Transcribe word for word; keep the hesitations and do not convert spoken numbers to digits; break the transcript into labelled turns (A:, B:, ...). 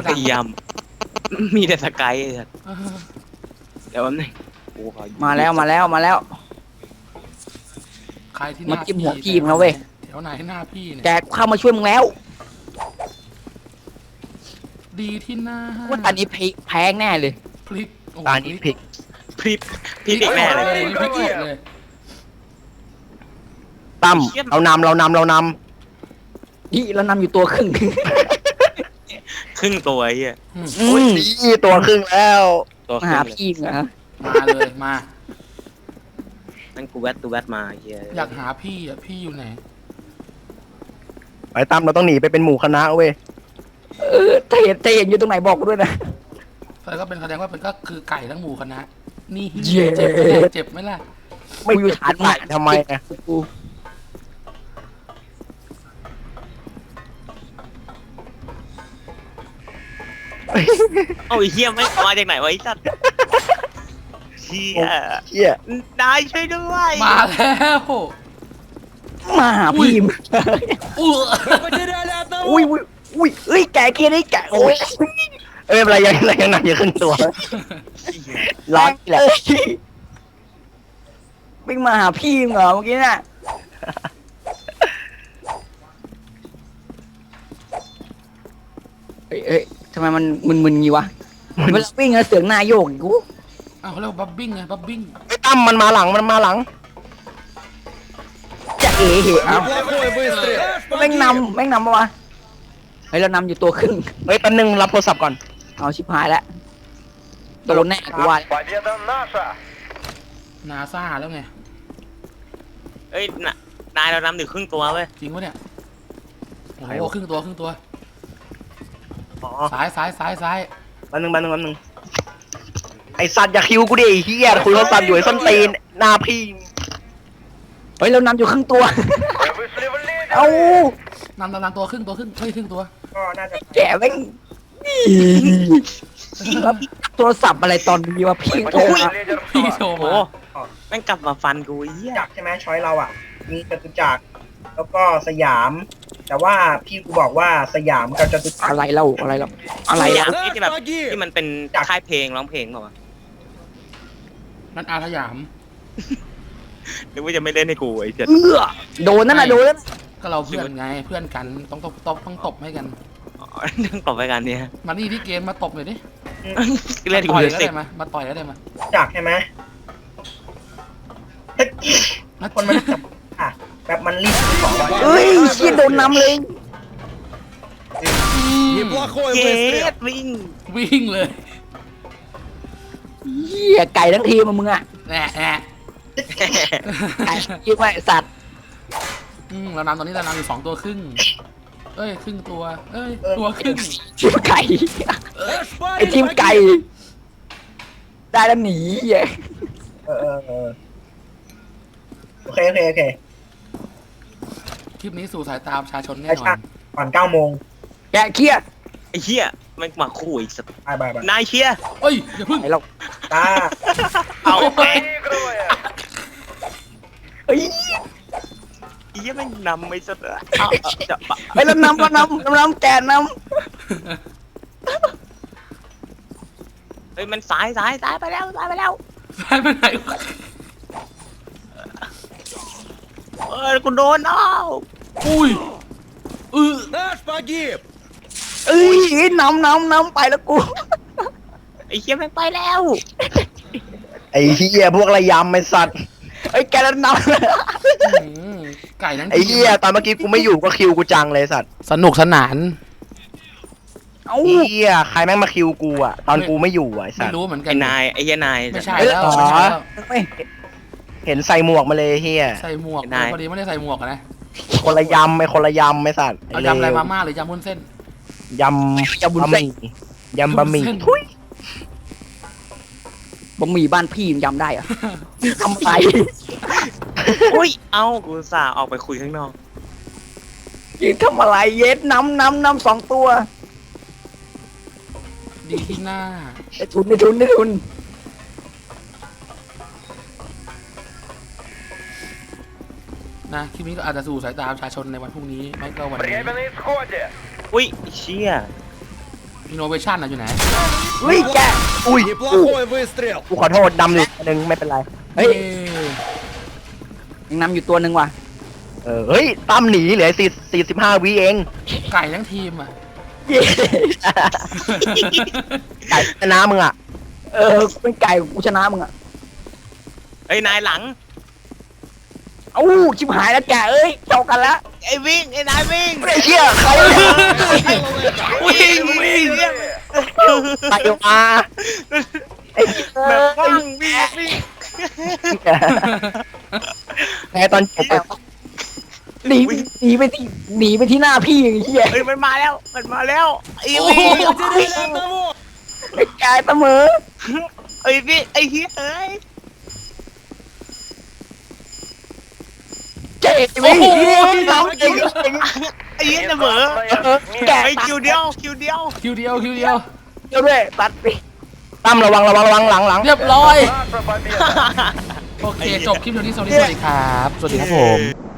A: พยายามมีแต่สกายเดี๋ยวแป๊บนึง
B: มาแล้วมาแล้วมาแล้ว
C: ใครที่หน้า
B: มาจิ้มหัวพี่มึงแล้วเว้ย
C: แถวไหนหน้าพี่เนี่ย
B: แกเข้ามาช่วยมึงแล้ว
C: ดีที่หน้า
B: ว่าตอนนี้แพงแน่เลย
C: พลิกโอ้โห
D: ตานี้พลิก
A: พริบพริบอีกแน่เลย
C: พลิกหมดเลย
D: ตั้มเรานำเรานำเราน
B: นี่เรานำอยู่ตัวครึ่ง
A: ครึ่งตัวไอ้เหี้ย
C: อืม
D: ำโอ้ยนี่ตัวครึ่งแล้ว
A: ตัวค
B: มา
A: รึ่
B: หาง
A: เลย
B: พี่เหรอ
C: มาเลยมา
A: นั่นกูแวดตูแวดมาไอ้เหี้ย
C: อยากหาพี่อ่ะพี่อยู่ไหน
D: ไปตั้มเราต้องหนีไปเป็นหมู่คณะเว้ย
B: เออถ้าเห็นถ้าเห็นอยู่ตรงไหนบอกกูด้วยนะ
C: แล้วก็เป็นแสดงว่าเป็นก็คือไก่ทั้งหมู่คณะนี่
B: เย้
C: เจ็บไหมล่ะเจ็บไหมล่ะ
B: ไม่อยู่ฐาน
D: ใส่ทำไมอะ
B: กู
A: เอาไอ้เหี้ยไม่มาจากไหนวะไอ้สัตว์เหี้ย
D: เชี่ย
A: นายช่วยด้วย
C: มาแล้ว
B: มาหาพี่มึง
C: อู้
B: อุ้ยอุ้ยอุ้ยเอ้ยแกเกียร์นี่แกโอ้ย
D: เอ้ยอะไรยังอะไรยังหนักอยู่ครึ่งตัวร้อนแหละ
B: เอ้ยวิ่งมาหาพี่มึงเหรอเมื่อกี้น่ะเอ้ยเอ้ยทำไมมันมึนๆงี้วะเวลาวิ่งอะเสียงหน้าโยกอีกกู
C: อ้าวเขาเรียกว่าบับบิ้งไงบับบิ้ง
D: ไอ้ตั้มมันมาหลังมันมาหลัง
B: จะเอ๋เหรอแม่งนำแม่งนำปะวะเฮ้ยเรานำอยู่ตัวครึ่ง
D: เฮ้ยแป๊บนึงรับโทรศัพท์ก่อน
B: เอาชิบหายแล้วโดนแน่กูว่า
C: นาซาแล้วไง
A: เอ้ยน่ะนายเรานำถึงครึ่งตัวเว้ย
C: จริงปะเนี่ยโอ้
D: ใคร
C: โห
D: วะ
C: ครึ่งตัวครึ่งตัว
D: อ๋อ
C: ซ้ายซ้ายซ้ายซ้าย
D: แป๊บนึงแป๊บนึงแป๊บนึงไอสัตว์อย่าคิวกูดิไอ้เฮียคุยโทรศัพท์อยู่ไอ้ส้นตีนหน้าพี่
B: เฮ้ยเรานำอยู่ครึ่งตัว เอา
C: นำนำนำตัวครึ่งตัวครึ่งเฮ้ยครึ่งตัว
D: ก็น่าจะ
B: แกแม่งแล้วโทรศัพท์อะไรตอนนี้วะพี่โทรมา
C: พี่โชว์
A: โอ้
C: มา
A: โหแม่งกลับมาฟันกูไอ้เหี้ย
E: จักรใช่ไหมช้อยเราอ่ะ มีจตุจักรแล้วก็สยาม แต่ว่าพี่กูบอกว่าสยามกับจตุจักร
B: อะไรเล่าอะไรเล่าอะไร
A: อย่า
B: อ่ะ
A: งที่แบบที่มันเป็นค่ายเพลงร้องเพลงเปล่าวะ
C: นั่นอาสยาม
A: นึกว่าจะไม่เล่นให้กูไอ้เจ็ด
B: เอื้อโดนนั่นน่ะโดนนั่น
C: ก็เราเพื่อนไงเพื่อนกันต้องตบตบต้องตบให้กัน
A: อ๋อเรื่องต่อไปกันเนี่ย
C: มานี่ที่เกมมาตบหน่อยดิ
A: เล่นกู
C: ต่อย
A: เลย
C: ก็
A: สิ
C: ได้มามาต่อยก็ได้มา
E: จักรใช่ไหมถ้า
C: มา
E: คนมันอ่ะแบบมันรีบของว่า
B: เอ้ยเชี่ยโดนนำเลย
A: เย็ดวิ่ง
C: วิ่งเลย
B: เหี้ยไก่ทั้งทีมอะมึงอ่ะ
C: แหน่แหน่
B: ไก่ยิ่งไม่สัตว์
C: อืมเรานำตอนนี้เรานำอยู่สองตัวครึ่งเอ้ยครึ่งตัวเอ้ยตัวครึ่ง
B: ทีมไก่ไอทีมไก่ได้แล้วหนีเหี้ย
E: เออเออเออโอเคโอเคโอเค
C: คลิปนี้สู่สายตาประชาชนแน่
E: ไอ้
C: นอ
E: ชาน ก่อนเก้าโมง
B: แกเครียด
A: ไอ้เหี้ยแม่งมาคู่อีกสัตว์
E: บายบายบาย
A: นายเชียร์
C: เอ้ยอย่าพึ่ง
B: ไอเรา
E: ตา
A: เอาไป
B: เฮ้ย
A: ไอ้เหี้ยแม่งนำไม่สัตว์อะเอาเอาจะปะ
B: ไอเรานำเรานำเรานำแกน
A: เฮ้ยมันสายสายสายไปแล้วสายไปแล้ว
C: สายไปไหนวะ
A: เออกูโดนเอา
C: อุ้ยเออ
B: ำเอ้ยนำนำนำไปแล้วกู
A: ไอ้เหี้ยแม่งไปแล้ว
D: ไอ้เฮียพวกระยำไอ้สัตว์
B: ไอ้แกแล้วน
C: อืมไก่ทั้ง
D: ไอ้เฮียตอนเมื่อกี้กูไม่อยู่ก็คิวกูจังเลยสัตว์
C: สนุกสนาน
B: ำเอ้า
D: ไอ้เฮียใครแม่งมาคิวกูอ่ะตอนกูไม่อยู่อ่ะไอ้สั
C: ไม่
D: ตว์
C: รู้เหมือนกั
A: ไอ้
C: น
A: นายไอ้เหี้ยนาย
C: ไม่ใช่แล้วไม่ใช่แล้ว
B: ไม่
D: เห็นใส่หมวกมาเลยเฮีย
C: ใส่หมวกพอดีไม่ได้ใส่หมวกอะนะ
D: คนละยำไอ้คนละยำไอ้สัตว์
C: เอายำอะไรมาม่าหรือยำวุ้นเส้น
D: ยำยำบะหมี่ยำบะหมี่
C: วุ้นเส้น
D: ทุย
B: บะหมี่บ้านพี่มันยำได้เหรอะทำไร
A: อุ้ยเอากูอุตสาห์ออกไปคุยข้างนอก
B: ยิงทำอะไรเย็ดนำนำนำสองตัว
C: ดีที่หน้า
B: ไอ้ทุนไอ้ทุนไอ้ทุน
C: นะคลิปนี้ก็อาจจะสู่สายตาประชาชนในวันพรุ่งนี้ไม่ก็วันนี้
A: อุ้ยไอ้เชี่ย
C: อินโนเวชั่นอะอยู่ไหน
B: เฮ้ยแก
D: อุ้ย
F: Неплохой выстрел.
D: กูขอโทษดำหนึ่งหนึ่งไม่เป็นไร
B: เฮ้ย
C: เอ้ย
B: ยังนำอยู่ตัวหนึ่งว่ะ
D: เออเฮ้ยตั้มหนีเหลือสี่สี่สิบห้าวิเอง
C: ไก่ทั้งทีมอะ
B: เย้
D: ไก่ชนะมึงอ่ะ
B: เออกูเป็นไก่กูชนะมึงอ่ะ
A: เฮ้ยนายหลัง
B: เอ้าชิบหายแล้วแกเอ้ยเจากันละ
A: ไอ้วิ่งไอ้นายวิ่ง
D: ไอ้เชี่ยใคร
A: วิ่งวิ่งเนี่ย
D: ใครมาไอ้
A: แบบว่างวิ่งวิ่ง
D: แพ้ตอนจบอะ
B: หนีหนีไปที่หนีไปที่หน้าพี่ไอ้เหี้ย
A: เฮ้ยมันมาแล้วมันมาแล้วไอ้
C: โอ้
A: วิ่ง
C: โห
F: Потеряли одного.
B: ไอ้แกเสมอ
A: ไอ้วิ่งไอ้เฮียเอ้ย
B: เจ๊
C: โอ้โห
B: น้องเอง
A: ไอ้เฮียเสมอ
B: แก
A: ไอ้คิวเดียวคิวเดียว
C: คิวเดียวคิวเดียว
B: เดียวด้วยตัดไป
D: ตั้มระวังระวังระวังหลังหลัง
C: เรียบร้อย
F: Наша победа.
C: โอเค จบคลิปเดียวนี้สวัสดีครับ สวัสดีครับผม